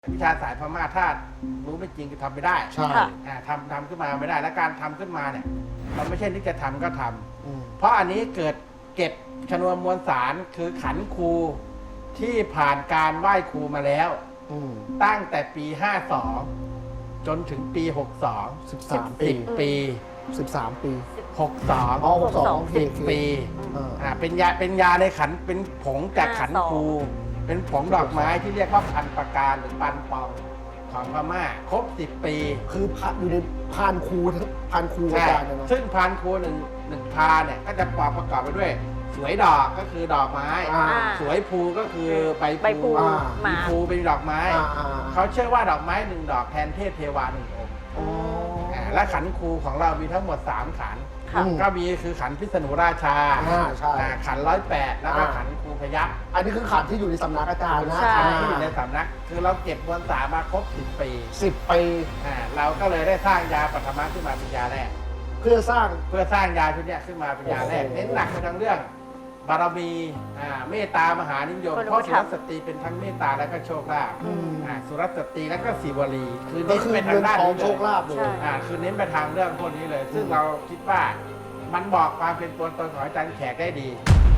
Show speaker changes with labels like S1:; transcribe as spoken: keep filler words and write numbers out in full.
S1: วิชาสายพม่าถ้ารู้ไม่จริงก็ทำไม่ได้
S2: ใช่
S1: อ่าทำทำขึ้นมาไม่ได้ และการทำขึ้นมาเนี่ยมันไม่ใช่นึกจะทำก็ทำ
S2: อืม
S1: เพราะอันนี้เกิดเก็บชนวนมวลสารคือขันครูที่ผ่านการไหว้ครูมาแล้ว
S2: อืม
S1: ตั้งแต่ปี ห้าสอง จนถึงปี หกสอง
S2: สิบสามปี
S1: สิบปี
S2: สิบสามปี
S1: หกสอง
S2: อ๋อหกสอง
S1: สิบปี
S2: เออ
S1: อ่าเป็นยาเป็นยาในขันเป็นผงจากขันครูเป็นผงดอกไม้ที่เรียกว่าพันประการหรือปันปองของพม่าครบสิบปี
S2: คือพระอยู่ในพานครูทั้งพานครูอา
S1: ใช่
S2: จารย์เนี่ยนะ
S1: ซึ่งพันครูหนึ่งหนึ่งพาเนี่ยก็จะประกอบไปด้วย สวยดอกก็คือดอกไม้
S2: อ่า
S1: สวยภูก็คือใบ
S3: ใบพลู
S1: อ่า
S3: หมา
S1: มีภูเป็นดอกไม้
S2: อ่าอ่า
S1: เขาเชื่อว่าดอกไม้หนึ่งดอกแทนเทพเทวาหนึ่งองค์
S2: อ๋อ
S1: อ่าและขันครูของเรามีทั้งหมดสามขัน
S3: ค่ะ
S2: อืม
S1: ก็มีคือขันพิษณุราชา
S2: อ่าใช่
S1: อ่าขันร้อยแปดแล้วก็
S2: อ่า
S1: ขันครูพยัคฆ์
S2: อันนี้คือขันที่อยู่ในสำนักอาจารย์นะ
S3: ใช่
S1: ขันที่อยู่ในสำนัก คือเราเก็บมวลสารมาครบสิบปี
S2: สิบปี
S1: อ่าเราก็เลยได้สร้างยาปัทมะขึ้นมาเป็นยาแรก
S2: เพื่อสร้าง
S1: เพื่อสร้างยาชุดเนี้ยขึ้นมาเป็นยาแรก
S2: โอ้โห
S1: เน้นหนักไปทางเรื่อง บารมีอ่าเมตตามหานิยม
S3: คน
S1: เพราะ
S3: รู้
S1: สุ
S3: ธร
S1: ร
S3: รม
S1: สตรีเป็นทั้งเมตตาและก็โชคลาภ
S2: อืม
S1: อ่าสุรสตรีและก็สีวลี คือ
S2: ก็
S1: เน้น
S2: คือ
S1: ไปทา
S2: เงิ
S1: ง
S2: น
S1: ด้าน
S2: ทอง
S1: นี้
S2: โช
S1: เลย
S2: คลาภเล
S3: ใช่
S2: ย
S1: อ่าคือเน้นไปทางเรื่องพวกนี้เลย ซึ่งเราคิดว่ามันบอกความเป็นตัวตนของอาจารย์แขกได้ดี